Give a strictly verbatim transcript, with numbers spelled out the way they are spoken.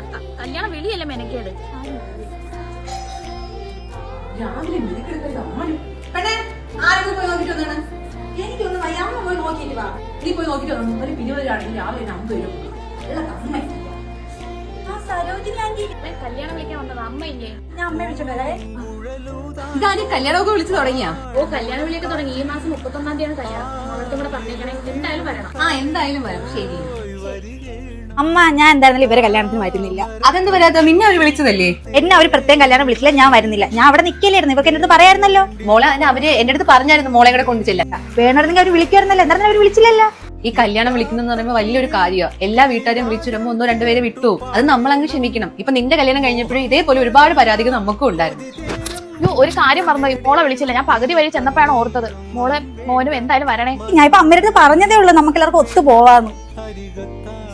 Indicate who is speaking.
Speaker 1: കല്യാണം വെളിയല്ലേ മെനക്കേട്.
Speaker 2: രാവിലെ ആരൊക്കെ പോയി നോക്കിട്ട് വന്നാണ്? എനിക്കൊന്നും വയ്യ, അമ്മ പോയി നോക്കിട്ട് വാ. നീ പോയി നോക്കിട്ട് വന്നു. ഒരു ഇരുപതിലാണെങ്കിൽ രാവിലെ അമ്പത് രൂപ അമ്മ.
Speaker 1: കല്യാണം വിളിക്കാൻ വന്നത് അമ്മയില്ലേ?
Speaker 2: ഞാൻ അമ്മയെ വിളിച്ചോണ്ടേ. ഇതാരും കല്യാണമൊക്കെ വിളിച്ചു തുടങ്ങിയാ?
Speaker 1: ഓ, കല്യാണം വിളിയൊക്കെ തുടങ്ങി. ഈ മാസം മുപ്പത്തൊന്നാം തീയതിയാണ് കല്യാണം. അവർക്ക് കൂടെ പറഞ്ഞേക്കണേ, എന്തായാലും വരണം.
Speaker 2: ആ, എന്തായാലും വരും. ശരി
Speaker 3: അമ്മ, ഞാൻ എന്തായിരുന്നാലും ഇവരെ കല്യാണത്തിന് വരുന്നില്ല.
Speaker 2: അതെന്ത് വരാത്ത? നിന്നെ അവര് വിളിച്ചതല്ലേ?
Speaker 3: എന്നെ അവര് പ്രത്യേകം കല്യാണം വിളിച്ചില്ല, ഞാൻ വരുന്നില്ല. ഞാൻ അവിടെ നിൽക്കലായിരുന്നു. ഇവർക്ക് എന്റെ അടുത്ത് പറയായിരുന്നല്ലോ.
Speaker 2: മോളെ, അതിന് അവര് എന്റെ അടുത്ത് പറഞ്ഞായിരുന്നു മോളെ കൂടെ കൊണ്ടുചെല്ല.
Speaker 3: വേണമെങ്കിൽ അവർ വിളിക്കുമായിരുന്നല്ലോ. എന്തായാലും അവർ വിളിച്ചില്ലല്ലോ.
Speaker 2: ഈ കല്യാണം വിളിക്കുന്ന പറയുമ്പോൾ വലിയൊരു കാര്യമാണ്. എല്ലാ വീട്ടുകാരും വിളിച്ചു വരുമ്പോൾ ഒന്നോ രണ്ടുപേരെ വിട്ടു. അത് നമ്മളങ്ങ് ക്ഷമിക്കണം. ഇപ്പൊ നിന്റെ കല്യാണം കഴിഞ്ഞപ്പോഴും ഇതേപോലെ ഒരുപാട് പരാതികൾ നമുക്കും ഉണ്ടായിരുന്നു.
Speaker 1: അയ്യോ, ഒരു കാര്യം പറഞ്ഞു, മോളെ വിളിച്ചില്ല. ഞാൻ പകുതി വഴി ചെന്നപ്പോഴാണ് ഓർത്തത്. മോളെ മോനും എന്തായാലും വരണേ.
Speaker 3: ഞാൻ ഇപ്പൊ അമ്മയുടെ അടുത്ത് പറഞ്ഞതേ ഉള്ളൂ നമുക്ക് എല്ലാവർക്കും ഒത്തു പോവാന്ന്.